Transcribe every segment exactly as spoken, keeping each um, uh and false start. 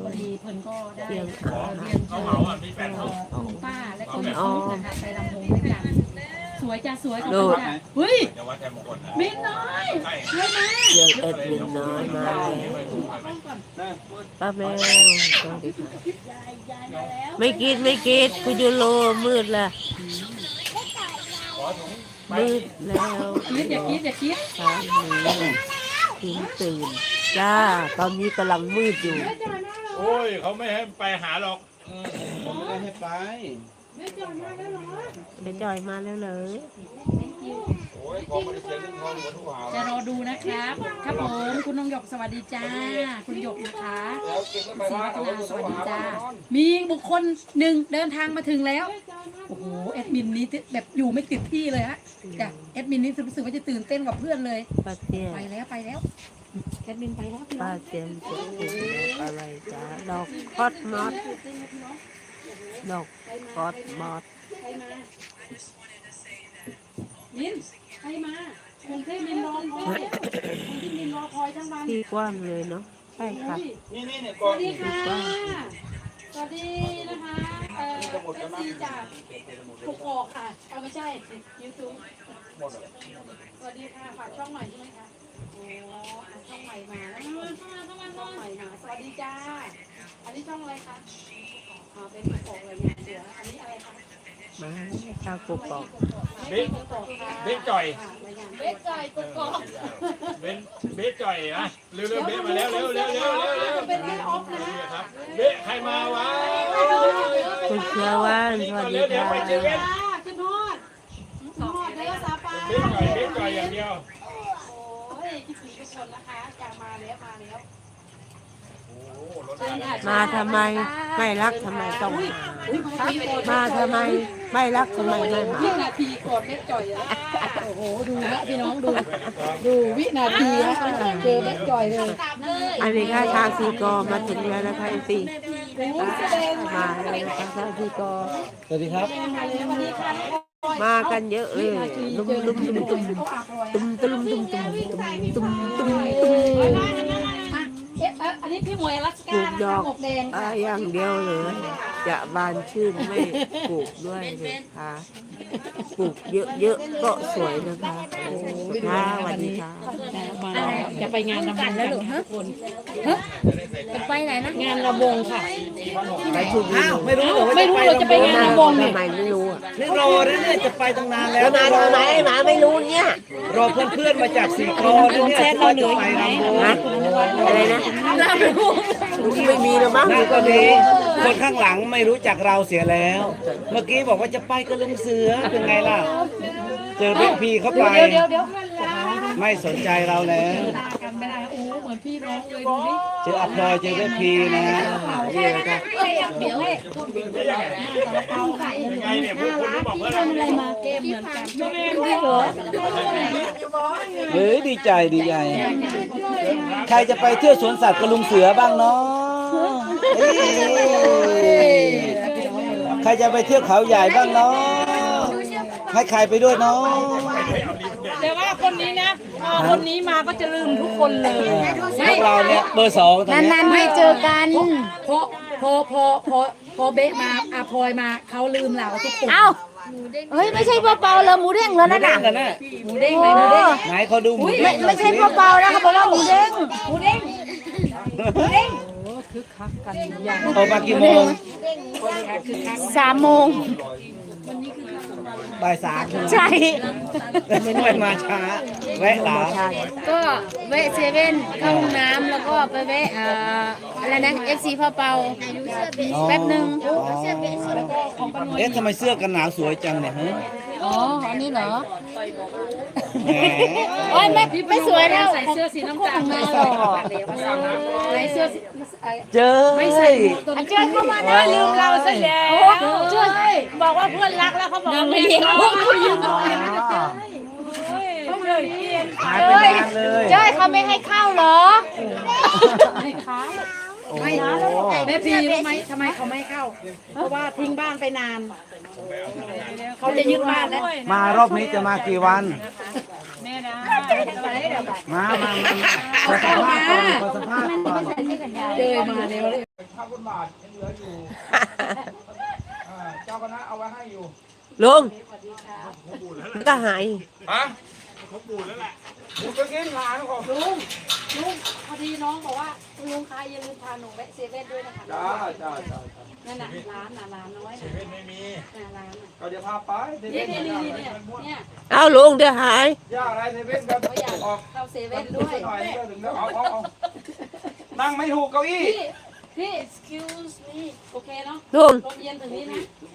พอดีเพิ่นก็ได้เรียงเอ่อเรียนเชิญคุณป้าและคุณอ้อมนะคะไปรำวงด้วยกันสวยจ้าสวยขอบคุณจ้าเฮ้ยมินน้อยเฮ้ยมาเรียงเอ็ดมินน้อยมาแล้วป้าแมวสวัสดีค่ะไม่กินไม่กินคุณยูโรมืดละมืดแล้วคิดอย่าคิดอย่าคิดสามหนึ่งถึงตื่นจ้าตอนนี้กำลังมืดอยู่โอ้ยเขาไม่ให้ไปหาหรอกผมไม่ได้ให้ไปเดี๋ยวจอยมาแล้วเลยจะรอดูนะครับครับผมคุณน้องหยกสวัสดีจ้าคุณหยกนะคะศรีวัฒนาสวัสดีจ้ามีบุคคลหนึ่งเดินทางมาถึงแล้วโอ้โหแอดมินนี้แบบอยู่ไม่ติดที่เลยฮะจ้ะแอดมินนี้รู้สึกว่าจะตื่นเต้นกับเพื่อนเลยป้าเตี้ยไปแล้วไปแล้วแอดมินไปแล้วพี่น้ป้าองเตี้ยจะกินอะไรจ้าดอกคอสมอสดอกคอสมอสใครมามินใครมาคนที่มินรอคอยคนที่มินรอคอยทั้งวันที่กว้างเลยเนาะใช่ค่ะนี่นี่เนี่ยสก่อวัน สดีค่ะสวัสดีนะคะเอ่อเอฟซีจากถูกออกค่ะเอาไม่ใช่ยูทูบสวัสดีค่ะฝากช่องใหม่ใช่ไหมคะโอ้อ่ะช่องใหม่มาแล้วช่องมาช่องมาช่องใหม่มาสวัสดีจ้าอันนี้ช่องอะไรคะอ่าเป็นถูกออกเลยเนี่ยเดี๋ยวอันนี้อะไรคะมาชาวกกอกบิ๊กบิ๊กจ่อยเบสจ่อยกกอกเบนเบสจ่อยนะเร็วเร็วเบสมาแล้วเร็วเร็วเร็วเร็วเร็วเป็นแม่ออฟนะครับเบสใครมาวะคุณเชื่อว่านสวัสดีเดี๋ยวค่ะไปเจอเบสขึ้นทอดขึ้นทอดแล้วซาปาเบสจ่อยเบสจ่อยอย่างเดียวโอ้ยคิดถึงทุกคนนะคะอยากมาแล้วมาแล้วมาทำไมไม่รักทำไมต้องมามาทำไมไม่รักทำไมไม่มาวินาทีก่อนเม็ดจ่อยแล้วโอ้โหดูนะพี่น้องดู ดูวินาทีนะเจอเม็ดจ่อยเลยอันนี้ค่ะทางซีกอมาถึงแล้วนะคะอีซีมาแล้วนะคะทางซีกอสวัสดีครับมากันเยอะเลยลุมลุมตุมตุมตุมตุมตุมตุมตุมตุมตุมตุมเอ๊ะอันนี้พี่หมวยรัชปลูกากดอกหมกแดงอ่าอย่างเดียวเลยจะบานชื่นไม่ปลูกด้วยเลยค่ะปลูกเยอะๆก็สวยนะคะค่ะสวัสดีค่ะจะไปงานรำวงแล้วหรือฮะคนจะไปไหนนะงานรำวงค่ะไปถูกอ้าวไม่รู้เหรอว่าไม่รู้เราจะไปงานรำวงเนี่ยทำไมไม่รู้อ่ะนี่รอนะเนี่ยจะไปตั้งนานแล้วมาทำไมหมาไม่รู้เนี่ยรอเพื่อนๆมาจากสีคอนะเนี่ยจะไปรำวงฮะอะไรนะไม่มีหรอกมั้งนั่นก็ดีคนข้างหลังไม่รู้จักเราเสียแล้ว เมื่อกี้บอกว่าจะไปก็ลุงเสือเป็นไงล่ะ เจอเด็กพี่เข้าไปเดี๋ยวเดี๋ยวเดี๋ยวไม่สนใจเราแล้วกันไม่ได้โอ้เหมือนพี่น้องเลยดูดิเจออัพลอยเจอเด็กพี่นะนี่นะคะเดี๋ยวให้เอาไข่ยังไงเนี่ยพวกคุณบอกเพื่อนเราอะไรมาเกมเหมือนกันไม่เหรอเฮ้ยดีใจดีใจ ใครจะไปเที่ยวสวนสัตว์กับลุงเสือบ้างเนาะเอ้ยใครจะไปเที่ยวเขาใหญ่บ้างเนาะให้ใครไปด้วยเนาะแต่ว่าคนนี้นะพอคนนี้มาก็จะลืมทุกคนเลยพวกเราเนี่ยเบอร์สองตอนนี้นานๆไม่เจอกันเพราะพอพอพอพอเบะมาอาพลอยมาเขาลืมเราทุกคนเอ้า เฮ้ย ไม่ใช่เปล่าๆเลยหมูเด้งแล้วนั่นเด้น่ะงกันนะหมูเด้งไหมหมูเด้งไหนเขาดูหมูไม่เด้งไม่ใช่เปล่าๆนะเขาบอกว่าหมูเด้งหมูเด้งหมูเด้งโอ้คึกคักกันอย่างออกมากี่โมงสามโมงบ่ายสามใช่ไม่ไม่มาช้าแวะหลาก็แวะเซเว่นเข้าห้องน้ำแล้วก็ไปแวะเอ่ออะไรนะ เอฟ ซี พ่อเปาแป๊บหนึ่งเอ๊ะทำไมเสื้อกันหนาวสวยจังเนี่ยฮะอ๋อ อันนี้เหรอแหมโอ้ยไม่ไม่สวยแล้วใส่เสื้อสีน้ำตาลมาหรอกใส่เสื้อสีเจอไม่ใส่อันเจ้าเข้ามาได้ลืมเราซะแล้วเจ้าบอกว่าเพื่อนรักแล้วเขาบอกว่าไม่เลี้ยงพวกคุณยืมหายไปนานเลยเจ้าเขาไม่ให้เข้าเหรอไม่ค้าไม่แม่พีรู้ไหมทำไมเขาไม่เข้า เพราะว่าทิ้งบ้านไปนาน เขาจะยึดบ้านแล้วมารอบนี้จะมากี่วันแม่นะมามามาขอสัมภาษณ์ก่อนขอสัมภาษณ์ก่อนเจอมาแล้วข้าวบนบาทยังเหลืออยู่อ่าเจ้าคณะเอาไว้ให้อยู่ลุงสวัสดีค่ะมันก็หายฮะเขาปูแล้วแหละปูจะกินหลานของลุงลุงพอดีน้องบอกว่าลุงคะอย่าลืมพาหนูแวะเซเว่นด้วยนะคะจ้าจ้าจ้านั่นน่ะร้านน่ะร้านน้อยเซน่ะเว่นไม่มีน่ะร้านน่ะก็เดี๋ยวพาไปเซนี่เว่นนี่ย่านี่อะไรเนี่ยเนี่ยเอาลุงเดี๋ยวหายย่าอะไรเซเว่นกันเขาอยากออกเข้าเซเว่นด้วยหน่อยก็ถึงแล้วเอาเอาเอานั่งไม่ถูกเก้าอี้พี่พี่ excuse me โอเคเนาะลุงลมเย็นถึงนี้นะ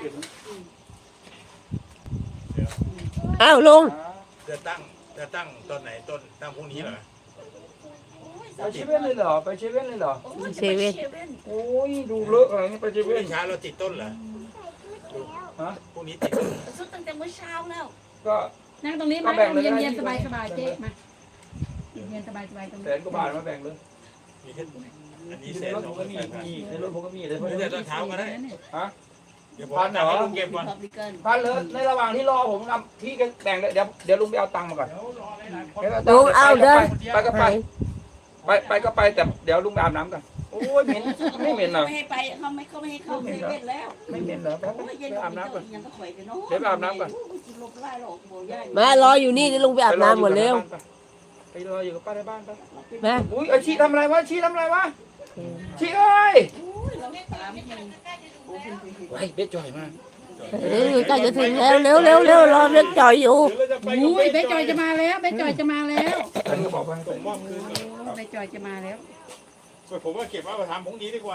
เอาลุงจะตั้งจะตั้งต้นไหนต้นตั้งพรุ่งนี้เหรอไปเซเว่นเลยเหรอไปเซเว่นเลยเหรอเซเว่นโอ้ยดูเลอะอะไรนี่ไปเซพรุ่งเว่นนี้เช้าเราติดต้นเหรอฮะพรุ่งนี้ติดต้นสุดตั้งแต่เมื่อเช้าแล้วก็นั่งตรงนี้มาเย็นเย็นสบายสบายเจ๊มาเย็นสบายสบายตรงแสนี้นกว่าบาทมาแบ่งเลยมีแค่อันนี้ในแสนรถสผองมก็มีแสนมีในรถผมก็มีแต่เพื่ไม่อนได้ตอนเช้าก็ได้ฮะเดี๋ยวผมตั้งให้ลุงเก็บก่อนพับลิกันพันเลยในระหว่างที่รอผมนำพี่ก็แบ่งเลยเดี๋ยวเดี๋ยวลุงไปเอาตังค์มาก่อนลุงเอาเด้อไปก็ไปหายไปไปก็ไปแต่เดี๋ยวลุงไปอาบน้ำกันโอ้ยเหม็นไม่เหม็นเหรอไม่ให้ไปเขาไม่เขาไม่ให้เข้าเซเว่นแล้วไม่เหม็นเหรอไปโอ้ยไปเย็นอาบน้ำก่อนยังก็ข่อยไปเนาะเดี๋ยวไปอาบน้ำก่อนกินลมไล่หรอกโบย่าแม่รออยู่นี่เดี๋ยวลุงไปอาบน้ำหมดเร็วไปรออยู่กับป้าในบ้านไปแม่อุ้ยไอชีทำอะไรวะชีทำอะไรวะชีเอ้ยเราตามมันไอ้เบ็ดจ่อยมากเร็วใกล้จะถึงแล้วเร็วเร็วเร็วรอเล็กจอยอยู่เดี๋ยวเราจะไปอุ้ยเบ๊จอยจะมาแล้วเบ๊จอยจะมาแล้วอันนี้ก็บอกไปส่งมอบคืนก่อนเบ๊จอยจะมาแล้วผมว่าเก็บไว้มาทำพรุ่งนี้ดีกว่า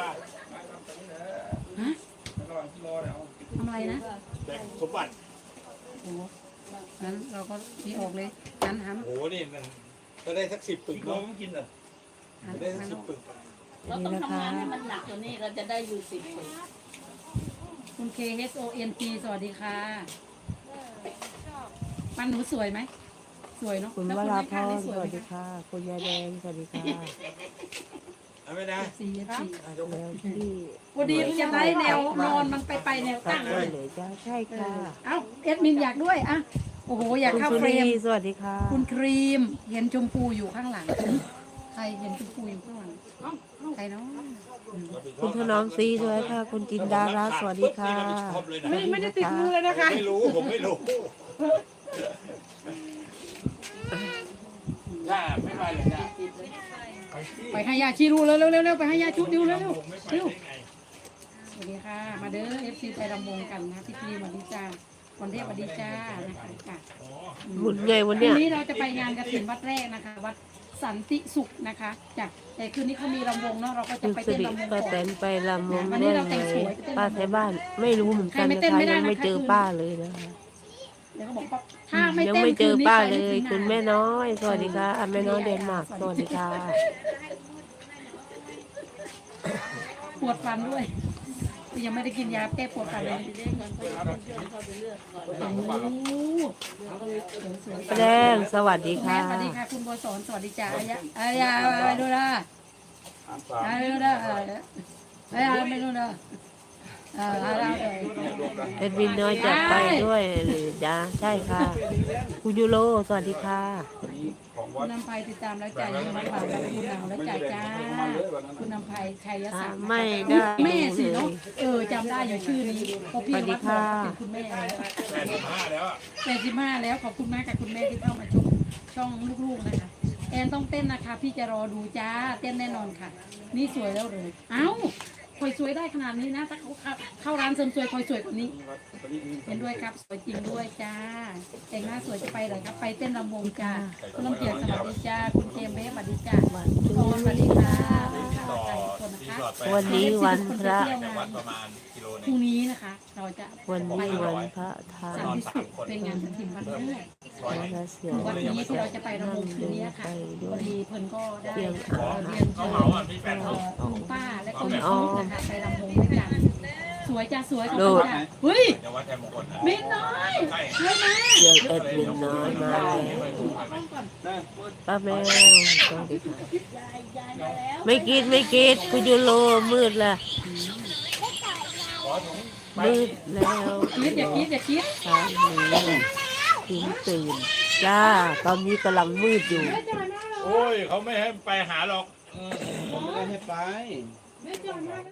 ทำอะไรนะแบ่งสมบัติโอ้งั้นเราก็มีออกเลยหันหันโอ้โหนี่มันก็ได้สักสิบปึกน้อเนาะงกินเหรอหันได้สัหักนสิบปึกเราต้องทำงานให้มันหนักกว่านี้เราจะได้อยู่สิบปีคุณ K H O N P สวัสดีค่ะมันหนูสวยไหมสวยเนาะคุณแล้ววคุณราแม่พข้างรนี่สสวยวัสไหมดีค่ะ คุณยายแดงสวัสดีค่ะเอาไหมนะสี่สี่แล้วที่พอดีจะได้แนวนอนมันไปไปแนวตัตั้ดงเลเลย ยเหลือจ้าใช่เอค่ะอเอ้าเอ็ดมินอยากด้วยอ่ะโอ้โหอยากคุณเข้าสุเฟรรีมสวัสดีค่ะคุณครีมเห็นชมพูอยู่ข้างหลังใครเห็นชมพูอยู่ข้างหลังเอ้าเอ้าใครเนาะคุณถนอมซีด้วยค่ะ คุณจินดาราสวัสดีค่ะชอบเลยนะไม่ไม่ได้ติดมือเลยนะคะไม่รู้ผมไม่รู้ย่าไม่ไปเลยย่าไปให้ยาชีดูเร็วเร็วเร็วเร็วไปให้ยาชุดดูเร็วเร็วผมไม่ไปเร็วได้ไงสวัสดีค่ะ มาเด้อเอฟซีไปรำวงกันนะพี่พีสวัสดีจ้าวันเทพสวัสดีจ้านะคะจ้ะหมุนไงวันพรุ่เนี้งยนี้เราจะไปงานกฐินวัดแรกนะคะ วัดสันติสุขนะคะจ้ะแต่คืนนี้เขามีรำวงเนาะเราก็จะคุณไปสิเต้นริรำวงป้าก่แตอนนไปลำวงวันนี้ด้วยเราแต่งเลสวยยไปเต้นป้าไทยบ้านไม่รู้เหมือนกันใครไม่นะเต้นคะไม่ได้ยังไม่นะคะเจอป้าเลยนะคะเดี๋ยวเขาบอกว่าถ้าไม่ยังเต้นไม่เจคือนนี้ป้าไปเลไม่ยถึงคุณงานแม่น้อยสวัสดีค่ะแม่น้อยเดนมาร์กสวัสดีค่ะปวดฟันด้วยยังไม่ได้กินยาแก้ปวดฟันเลยโอ้โหสวยแดงสวัสดีแม่ค่ะสวัสดีค่ะคุณโบสอนสวัสดีจ้าอายะอายะอะไรดูนะอะไรดูนะอายะไม่ดูนะเอออะไรเลยเอ็ดวินน้อยจะไปด้วยหรือจ้าใช่ค่ะคุณยูโรสวัสดีค่ะคุณนำไพติดตามแล้วจ่ายยังมาฝากแล้วคุณนำแล้วจ่ายจ้าคุณนำไพชัยศักดิ์ไม่ได้แม่สิเนาะเออจำได้อยู่ชื่อนี้เพราะพี่วัดบอกเป็นคุณแม่แล้วแปดสิบห้าแล้วอะแปดสิบห้าแล้วขอบคุณมากกับคุณแม่ที่เข้ามาชมช่องลูกๆนะคะแอนต้องเต้นนะคะ พี่จะรอดูจ้าเต้นแน่นอนค่ะ นี่สวยแล้วเลยเอ้าคอยสวยได้ขนาดนี้นะถ้าเขาเข้าร้านเสริมสวยคอยสวยกว่านี้เห็นด้วยครับสวยจริงด้วยจ้าแต่งหน้าสวยจะไปเลยครับไปเต้นรำวงจ้าคุณลำเกียรติสวัสดีจ้าคุณเจมส์เบสสวัสดีจ้าคุณโอนสวัสดีค่ะต่อใจทุกคนนะคะรีสอร์ทไปวันนี้วันพระจากวัดประมาณกิโลพนึรุ่งงนี้นะคะ เราจะวันนี้วันพระธาสันตุติสุขเป็นงานกฐินวันแรกร้อยหนึ่งและเสียงวันนี้ที่เราจะไปรำวงคืนนี้ค่ะด้พวอย ดีเพิ่นก็ได้เสียงเอ่อเรียนเชิญเหมาอ่ะพี่แปดเอ่เขาอคุณป้าและคุณน้องนะคะไปรำวงด้วยกันสวยจ้าสวยขอบโดคุณดจ้าเฮ้ยเดี๋ยววัดแทนมงคลนะมินน้อยใช่เฮ้ยมาเสียงเอ็ดวินน้อยมาแล้วป้าแมวสวัสดีค่ะไม่กินไม่กินคุณยูโรมืดละมืดแล้วคิดอย่าคิดอย่าคิดทางนี้ถึงตื่นจ้า ตอนนี้กำลังมืดอยู่แม่จอยมาเหรอโอ้ยเขาไม่ให้ไปหาหรอกผมไม่ได้ให้ไปแม่จอยมา